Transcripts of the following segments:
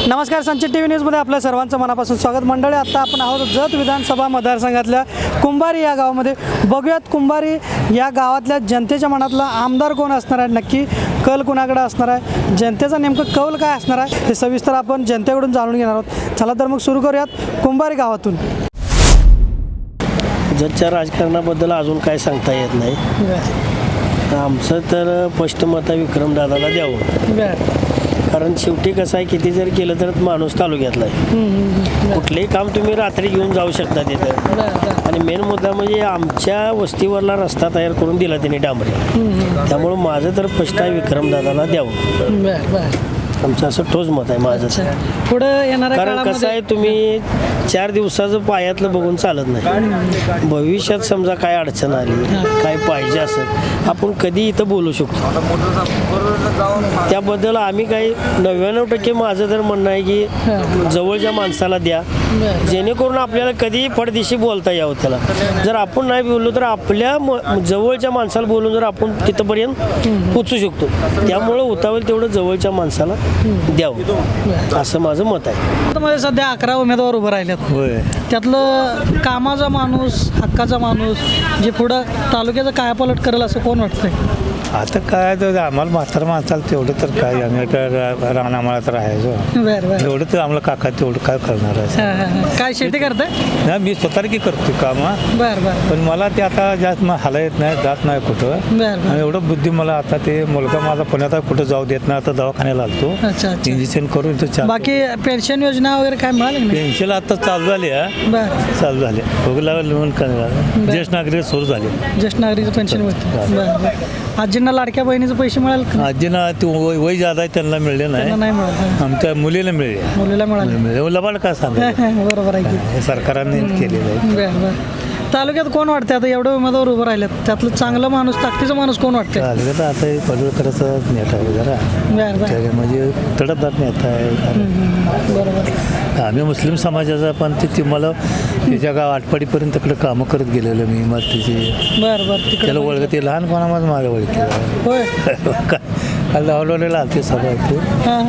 नमस्कार, संचित T V न्यूजमध्ये आपल्या सर्वांचं मनापासून स्वागत. मंडळी, आता आपण आहोत जत विधानसभा मतदारसंघातल्या कुंभारी या गावामध्ये. बघूयात कुंभारी या गावातल्या जनतेच्या मनातला आमदार कोण असणार आहे, नक्की कल कुणाकडे असणार आहे, जनतेचा नेमकं कौल काय असणार आहे हे सविस्तर आपण जनतेकडून जाणून घेणार आहोत. चला तर मग सुरू करूयात कुंभारी गावातून. जतच्या राजकारणाबद्दल अजून काय सांगता येत नाही. आमचं तर स्पष्ट मत विक्रमदादाला द्यावं. कारण शेवटी कसं आहे, किती जर केलं तर माणूस तालुक्यातला आहे. कुठलंही काम तुम्ही रात्री घेऊन जाऊ शकता तिथं. आणि मेन मुद्दा म्हणजे आमच्या वस्तीवरला रस्ता तयार करून दिला त्यांनी डांबरे. त्यामुळं माझं तर स्पष्ट आहे विक्रमदादाला द्यावं. आमचं असं ठोस मत आहे माझं. पुढं येणाऱ्या कारण कसं आहे, तुम्ही 4 दिवसाचं पायातलं बघून चालत नाही. भविष्यात समजा काय अडचण आली, काय पाहिजे असेल, आपण कधी इथं बोलू शकतो. त्याबद्दल आम्ही काही 99% माझं तर म्हणणं आहे की जवळच्या माणसाला द्या, जेणेकरून आपल्याला कधीही पडदिशी बोलता यावं. त्याला जर आपण नाही बोललो तर आपल्या जवळच्या माणसाला बोलून जर आपण तिथंपर्यंत पोचू शकतो. त्यामुळं उतावेल तेवढं जवळच्या माणसाला द्यावं, असं माझं मत आहे. मध्ये सध्या 11 उमेदवार उभं राहिलेत. त्यातलं कामाचा माणूस, हक्काचा माणूस, जे पुढं तालुक्याचं कायापालट करेल असं कोण वाटतंय? आता काय तर आम्हाला म्हातारा माणसाला तेवढं तर काय, आम्ही काय रानामाळा तर राहायचो. बरं. एवढं तर आम्हाला काका तेवढं काय करणार आहे. काय शेती करताय? नाही, मी स्वतः की करतो काम. बरं. पण मला ते आता जास्त हाला येत नाही, जात नाही कुठं. आणि एवढं बुद्धी मला आता ते मुलगा माझा पुण्यात कुठं जाऊ देत नाही. आता दवाखान्याला आलतो, अच्छा. इंजेक्शन करून तो. बाकी पेन्शन योजना वगैरे काय मिळाली? पेन्शन आता चालू झाली. चालू झाले बघला लोन करणार. ज्येष्ठ नागरिक सुरू झाले. ज्येष्ठ नागरिक पेन्शन मिळते. आजींना लाडक्या बहिणीचं पैसे मिळाल? आजीना ते वय जादा आहे, त्यांना मिळले नाही. आमच्या मुलीला मिळले. मुलीला मिळाले. लबाड काय सांगा. बरोबर आहे, सरकारने केलेलं आहे. बरं. तालुक्यात कोण वाटते आता एवढे उमेदवार उभं राहिलेत, त्यातलं चांगलं माणूस, ताकदीचा माणूस कोण वाटतं? तालुक्यात आता हे पडवळकरचा नेता आहे जरा. म्हणजे तडफदार नेता आहे. बरोबर. आम्ही मुस्लिम समाजाचा, पण ते मला त्याच्या गाव आटपाडीपर्यंत तिकडे कामं करत गेलेलं मी. मग त्याची बरं त्याला ओळख, ते लहानपणामध्ये माझं ओळख होय. काल लावलेला आलते सभा ते.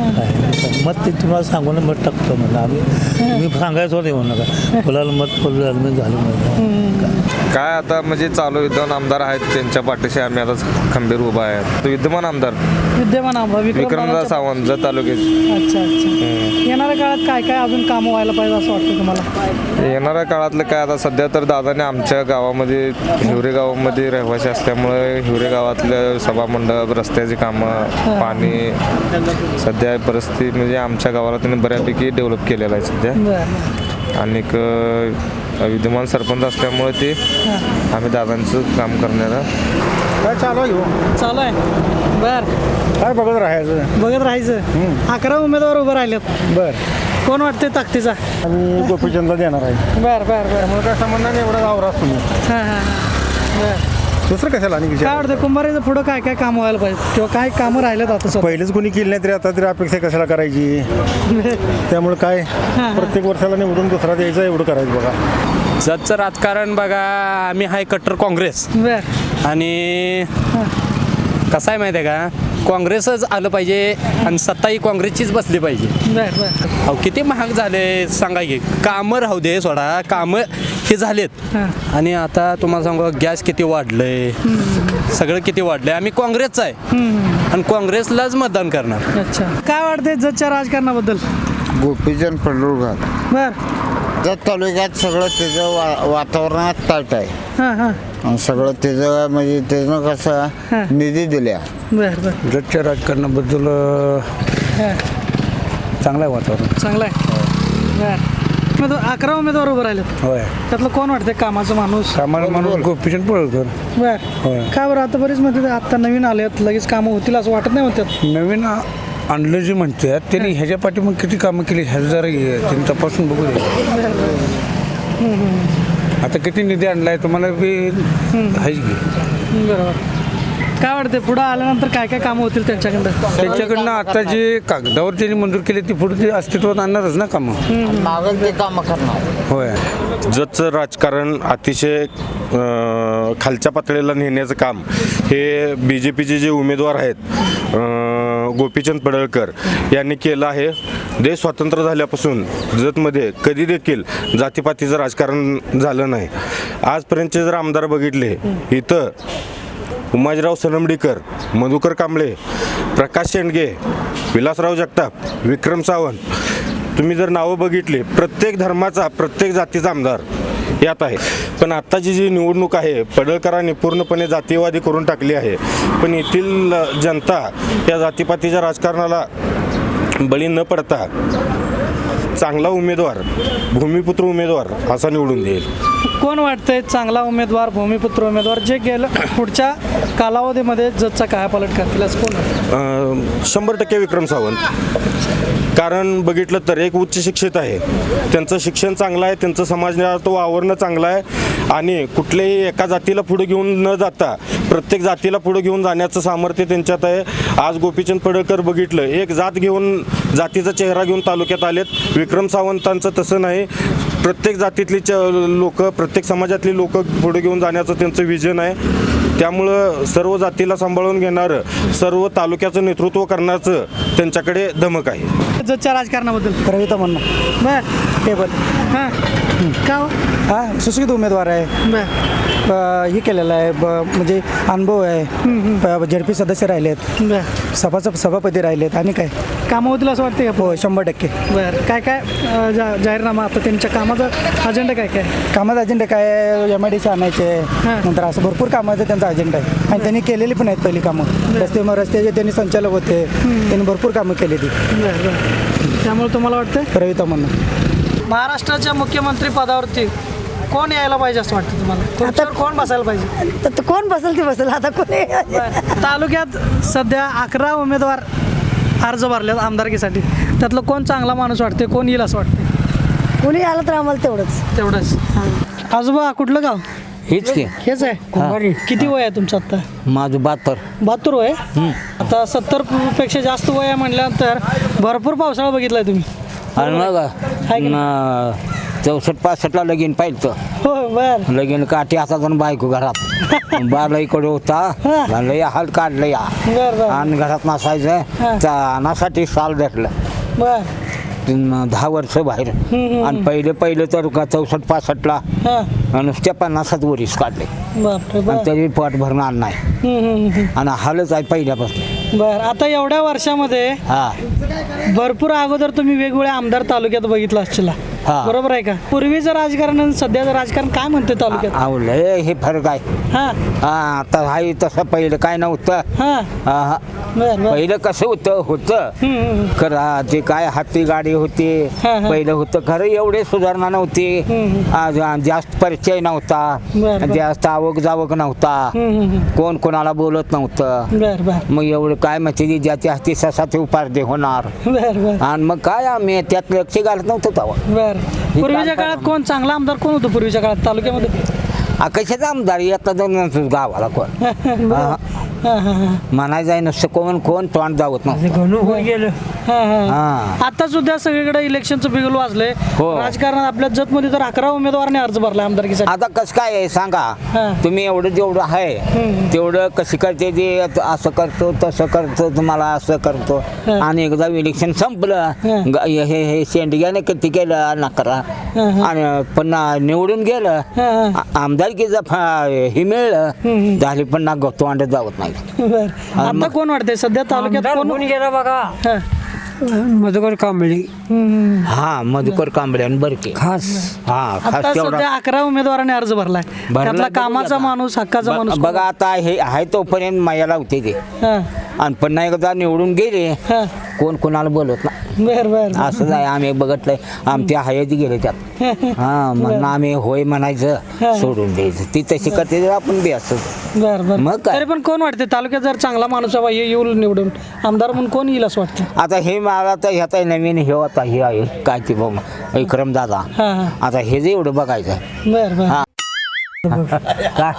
मग ते तुम्हाला सांगून मत टाकतो म्हणलं आम्ही. मी सांगायचं होतं म्हणून नका फुलाला मत फुलं झालं माझं. काय आता म्हणजे चालू विद्यमान आमदार आहेत, त्यांच्या पाठीशी आम्ही आता खंबीर उभा आहेत. तो विद्यमान आमदार विक्रमदादा सावंत, जत तालुक्याचे. अच्छा. येणाऱ्या काळात काय काय अजून कामं व्हायला पाहिजे असं वाटतं तुम्हाला? येणाऱ्या काळातलं काय, आता सध्या तर दादाने आमच्या गावामध्ये, हिवरे गावामध्ये रहिवासी असल्यामुळे हिवरे गावातलं सभामंडप, रस्त्याची कामं, पाणी, सध्या परिस्थिती म्हणजे आमच्या गावाला त्यांनी बऱ्यापैकी डेव्हलप केलेलं आहे सध्या. आणि विद्यमान सरपंच असल्यामुळे ते आम्ही दादांचं काम करण्याला काय चालू आहे. बरं. काय बघत राहायचं. 11 उमेदवार उभं राहिलेत. बरं. कोण वाटते ताकदीचा? आम्ही गोपीचंदला देणार आहे. बरं. त्यामुळे काय संबंध नाही, एवढा आवरा असतो. बरं. दुसरं कशाला आणि काय वाटतं कुंभारीचं पुढं काय काय कामं व्हायला पाहिजे, किंवा काय कामं राहिलेत आता? पहिलेच कोणी केली नाही तरी आता तरी अपेक्षा कशाला करायची. त्यामुळे काय प्रत्येक वर्षाला निवडून दुसरा द्यायचा, एवढं करायचं. बघा जतचं राजकारण बघा, आम्ही हाय कट्टर काँग्रेस. आणि कसं आहे माहिती आहे का, काँग्रेसच आलं पाहिजे आणि सत्ताही काँग्रेसचीच बसली पाहिजे. अहो किती महाग झाले सांगा की. कामं राहू दे, सोडा कामं हे झालेत. आणि आता तुम्हाला सांगू, गॅस किती वाढलंय, सगळं किती वाढलंय. आम्ही काँग्रेसचं आहे आणि काँग्रेसलाच मतदान करणार. अच्छा. काय वाटतंय जतच्या राजकारणाबद्दल? गोपीचंद पडळकर. बरं. जत तालुक्यात सगळं त्याचं वातावरणात ताट आहे. सगळं त्याचं म्हणजे त्यानं कसं निधी दिल्या. बरं. जतच्या राजकारणाबद्दल चांगलं आहे वातावरण. चांगलं आहे. बरं. 11 उमेदवार उभं राहिले. होय. त्यातलं कोण वाटतंय कामाचा माणूस? कामाला माणूस गोपीचंद पडळकर. बरं. काय बरं, आता बरीच म्हणते आता नवीन आलेत, लगेच कामं होतील असं वाटत नाही म्हणतात. नवीन आणलं जे म्हणतात त्यांनी ह्याच्या पाठी मग किती कामं केली ह्याचं जरा त्यांनी तपासून बघू दे. आता किती निधी आणलाय तुम्हाला बी आहेच की. बरोबर. काय वाटते पुढं आल्यानंतर काय काय कामं होतील त्यांच्याकडनं? आता जे कागदावर त्यांनी मंजूर केली ती पुढे ते अस्तित्वात आणणारच ना कामं. मागं ते कामं करणार. होय. जतचं राजकारण अतिशय खालच्या पातळीला नेण्याचं काम हे BJPचे जे उमेदवार आहेत गोपीचंद पडळकर यांनी केलं आहे. देश स्वतंत्र झाल्यापासून जतमध्ये कधी देखील जातीपातीचं राजकारण झालं नाही. आजपर्यंतचे जर आमदार बघितले इथं उमाजीराव सनमडीकर, मधुकर कांबळे, प्रकाश शेंडगे, विलासराव जगताप, विक्रम सावंत, तुम्ही जर नावं बघितली प्रत्येक धर्माचा प्रत्येक जातीचा आमदार यात आहे. पण आत्ताची जी निवडणूक आहे पडळकरांनी पूर्णपणे जातीयवादी करून टाकली आहे. पण येथील जनता या जातीपातीच्या राजकारणाला बळी न पडता चांगला उमेदवार, भूमिपुत्र उमेदवार असा निवडून देईल. कोण वाटतंय चांगला उमेदवार, भूमिपुत्र उमेदवार जे गेलं पुढच्या कालावधीमध्ये जजचा कायापालट करतील असं कोण वाटतं? 100% विक्रम सावंत. कारण बघितलं तर एक उच्च शिक्षित आहे, त्यांचं शिक्षण चांगलं आहे, त्यांचं समाजात वावरणं चांगलं आहे आणि कुठल्याही एका जातीला पुढे घेऊन न जाता प्रत्येक जातीला पुढे घेऊन जाण्याचं सामर्थ्य त्यांच्यात आहे. आज गोपीचंद पडळकर बघितलं एक जात घेऊन, जातीचा चेहरा घेऊन तालुक्यात आलेत. विक्रम सावंतांचं तसं नाही, प्रत्येक जातीतली लोक, प्रत्येक समाजातली लोक पुढे घेऊन जाण्याचं त्यांचं विजन आहे. त्यामुळं सर्व जातीला सांभाळून घेणारं, सर्व तालुक्याचं नेतृत्व करण्याचं त्यांच्याकडे धमक आहे. जजच्या राजकारणाबद्दल कविता म्हणणं बर टेबल हां का हो? हां सुशिक्षित उमेदवार आहे. बर हे केलेलं आहे म्हणजे अनुभव आहे. झडपी सदस्य राहिलेत, बर सभापती राहिलेत आणि काय कामं होतील असं वाटतं का? हो 100%. बरं काय काय जाहीरनामा आता त्यांच्या कामाचा अजेंडा काय काय? कामाचा अजेंडा काय MIDC आणायचे, हां. नंतर असं भरपूर कामाचा त्यांचा अजेंडा आहे आणि त्यांनी केलेली पण आहेत पहिली कामं. रस्त्याचे त्यांनी संचालक होते, त्यांनी भरपूर कामं केली ती. बरं बरं त्यामुळे तुम्हाला वाटतं कविता म्हणणं महाराष्ट्राच्या मुख्यमंत्री पदावरती कोण यायला पाहिजे असं वाटतं तुम्हाला? खुर्चीवर कोण बसायला पाहिजे? तर कोण बसेल ते बसेल आता कोणी बरं. तालुक्यात सध्या 11 उमेदवार अर्ज भरलेत आमदारकीसाठी. त्यातलं कोण चांगला माणूस वाटते, कोण येईल असं वाटतं? कोणी आलं तर आम्हाला तेवढंच. तेवढंच. आजोबा कुठलं गाव? हेच की हेच आहे कुंभारी. किती वय आहे तुमचं आता? माझं 72 वय. आता 70 पेक्षा जास्त वय आहे म्हटल्यानंतर भरपूर पावसाळा बघितलाय तुम्ही. आणि मग आहे की 64-65ला लगीन पाहिलं हो बर लगीन काठी हातात बायको घरात बाला इकडे होता लय हाल काढलं या बर बर आणि घरात नसायचं तानासाठी साल धरलं. बर 10 वर्ष बाहेर आणि पहिले तर 64-65ला हां नुसत्या 50 वरीस काढले बापरे आणि बर तरी पोट भरणार नाही आणि हालच आहे पहिल्यापासून. बर आता एवढ्या वर्षामध्ये हा भरपूर अगोदर तुम्ही वेगवेगळ्या आमदार तालुक्यात बघितलं असतील हा. बरोबर आहे का? पूर्वीचं राजकारण आणि सध्याचं राजकारण काय म्हणते तालुक्यात? अहो लय हे फरक आहे. हा हा आता हाय तसं पहिलं काय नव्हतं. हा हा. बर बर पहिलं कसं होतं खरं ते काय हाती गाडी होती हा, हा. पहिलं होतं खरं एवढे सुधारणा नव्हती. आज जास्त परिचय नव्हता, बर, बर. जास्त आवक जावक नव्हता, कोण कोणाला बोलत नव्हतं. बर बर मग एवढं काय माहिती ज्याच्या हाती ससा ते उपार्दे होणार बर बर आणि मग काय आम्ही त्यात लक्ष घालत नव्हतं तेव्हा. बर पूर्वीच्या काळात कोण चांगला आमदार कोण होतं पूर्वीच्या काळात तालुक्यामध्ये? कशाचा आमदार येतात जाऊन गावाला कोण हा. म्हणायचं आहे नुसतं कोण तोंड जावत नव्हतं. हा. आता सुद्धा सगळीकडे इलेक्शनचं बिगुल वाजलंय. हो. राजकारणात आपल्या जतमध्ये तर 11 उमेदवारांनी अर्ज भरला आमदारकीसाठी. आता कसं काय आहे सांगा हा. तुम्ही एवढं जेवढं आहे तेवढं कशी करते ते असं करतो तसं करतो तुम्हाला असं करतो हा. आणि एकदा इलेक्शन संपलं हे शेंडग्याने किती केलं नकरा आणि पुन्हा निवडून गेलं आमदारकीचं हे मिळलं झाली पुन्हा तोंड जावत नाही. बर आता कोण वाटतंय सध्या तालुक्यात कोण गेला बघा हा. मधुकर कांबळी हा मधुकर कांबळे आणि बरके खास हा आता खास तेवढा सध्या 11 उमेदवारांनी अर्ज भरलाय. त्यातला कामाचा माणूस, हक्काचा माणूस बघा आता हे आहे तोपर्यंत मायाला होते ते हा. आणि पुन्हा एकदा निवडून गेले हा. कोण कोणाला बोलत ना बर बर असंच आहे. आम्ही बघितलंय आमच्या हयाती गेले त्यात हा म्हणून आम्ही होय म्हणायचं सोडून द्यायचं ती तशी करते तर आपण बी असं बर बर मग काय? तरी पण कोण वाटते तालुक्यात जर चांगला माणूस हवा येईल निवडून आमदार म्हणून कोण येईल असं वाटतं? आता हे मला तर ह्याचा नवीन हे आता हे आहे काय ते विक्रम दादा हा हा आता हे जे एवढं बघायचं बर बर हा. काय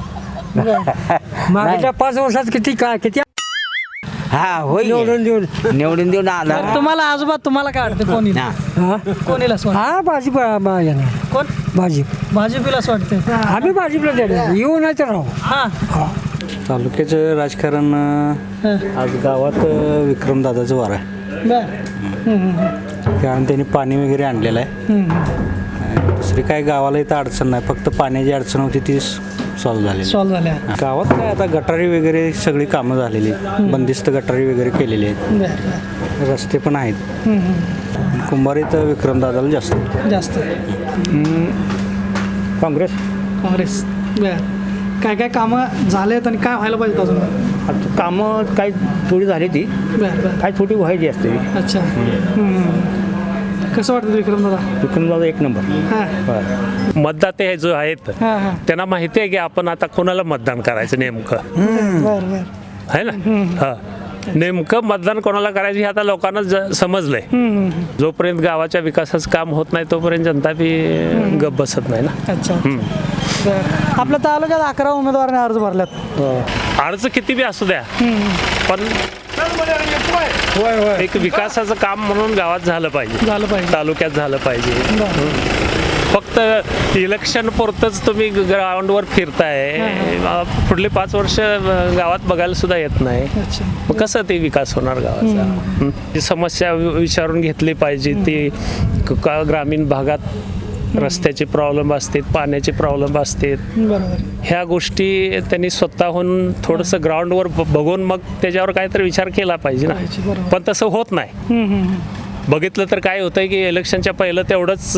मागच्या 5 वर्षात किती हा होय निवडून देऊन आला तुम्हाला आजोबा तुम्हाला काय वाटतं कोण येईल? हा. कोण येईल असं वाटतं? हा भाजी कोण भाजी भाजपला असं वाटतं? आम्ही भाजीपला देणार येऊ नाही तर राहू. हा तालुक्याचं राजकारण आज गावात विक्रमदादाचं वार आहे. कारण त्यांनी पाणी वगैरे आणलेलं आहे. दुसरी काय गावाला इथं अडचण नाही, फक्त पाण्याची अडचण होती ती सॉल्व्ह झाली. गावात काय आता गटारी वगैरे सगळी कामं झालेली, बंदिस्त गटारी वगैरे केलेली आहेत, रस्ते पण आहेत. कुंभारीत विक्रमदादाला जास्त काँग्रेस काय काय कामं झालेत आणि काय व्हायला पाहिजे अजून? कामं काही थोडी झाली ती, काही थोडी व्हायची असते. अच्छा. कसं वाटतं विक्रमदादा? एक नंबर. मतदाते हे जो आहेत त्यांना माहिती आहे की आपण आता कोणाला मतदान करायचं नेमकं आहे ना. हा, नेमकं मतदान कोणाला करायचं हे आता लोकांना समजलंय. जोपर्यंत गावाच्या विकासाचं काम होत नाही तोपर्यंत जनता बी गप बसत नाही ना. अच्छा. आपल्या तालुक्यात 11 उमेदवारांनी अर्ज भरल्यात. अर्ज किती बी असू द्या, पण एक विकासाचं काम म्हणून गावात झालं पाहिजे, तालुक्यात झालं पाहिजे. फक्त इलेक्शन पुरतच तुम्ही ग्राउंडवर फिरताय, पुढले 5 वर्ष गावात बघायला सुद्धा येत नाही. मग कसं ते विकास होणार गावाचा? ती समस्या विचारून घेतली पाहिजे. ती ग्रामीण भागात रस्त्याचे प्रॉब्लेम असतात, पाण्याचे प्रॉब्लेम असतात. ह्या गोष्टी त्यांनी स्वतःहून थोडंसं ग्राउंडवर बघून मग त्याच्यावर काहीतरी विचार केला पाहिजे ना. पण तसं होत नाही. बघितलं तर काय होतंय की इलेक्शनच्या पहिलं तेवढंच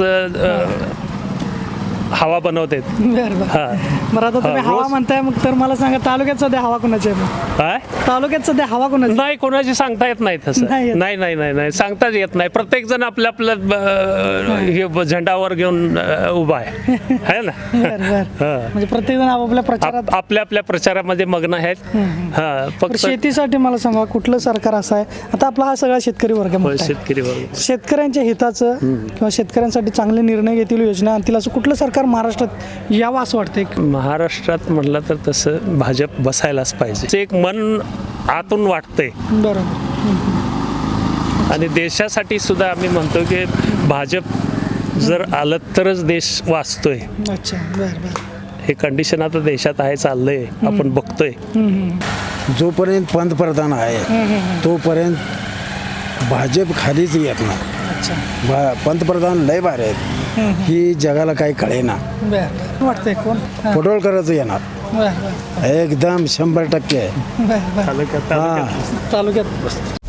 हवा बनवते. बरं, आता तुम्ही हवा म्हणताय, मग तर मला सांगा तालुक्यात सध्या हवा कोणाची आहे? काय तालुक्यात सध्या हवा कोणाची? नाही, कोणाची सांगता येत नाही तसं. नाही सांगताच येत नाही. प्रत्येक जण आपल्या हे झेंडावर घेऊन उभा आहे ना. म्हणजे प्रत्येक जण आपापल्या प्रचारात आपल्या प्रचारामध्ये मग्न आहेत. फक्त शेतीसाठी मला सांगा कुठलं सरकार असं आहे? आता आपला हा सगळा शेतकरी वर्ग मोठा आहे. शेतकरी वर्ग शेतकऱ्यांच्या हिताचं किंवा शेतकऱ्यांसाठी चांगले निर्णय घेतील, योजना आणतील, असं कुठलं सरकार महाराष्ट्रात यावं असं वाटतंय? महाराष्ट्रात म्हटलं तर तसं भाजप बसायलाच पाहिजे. एक मन आतून वाटतंय. बरोबर. आणि देशासाठी सुद्धा आम्ही म्हणतो की भाजप जर आलं तरच देश वाचतोय. अच्छा. बरं. हे कंडिशन आता देशात आहे, चाललंय, आपण बघतोय. जोपर्यंत पंतप्रधान आहे तोपर्यंत भाजप खालीच येत नाही. पंतप्रधान लय भारी आहेत, ही जगाला काही कळेना. वाटतंय कोण? पडोळकरच येणार एकदम 100%. तालुक्यात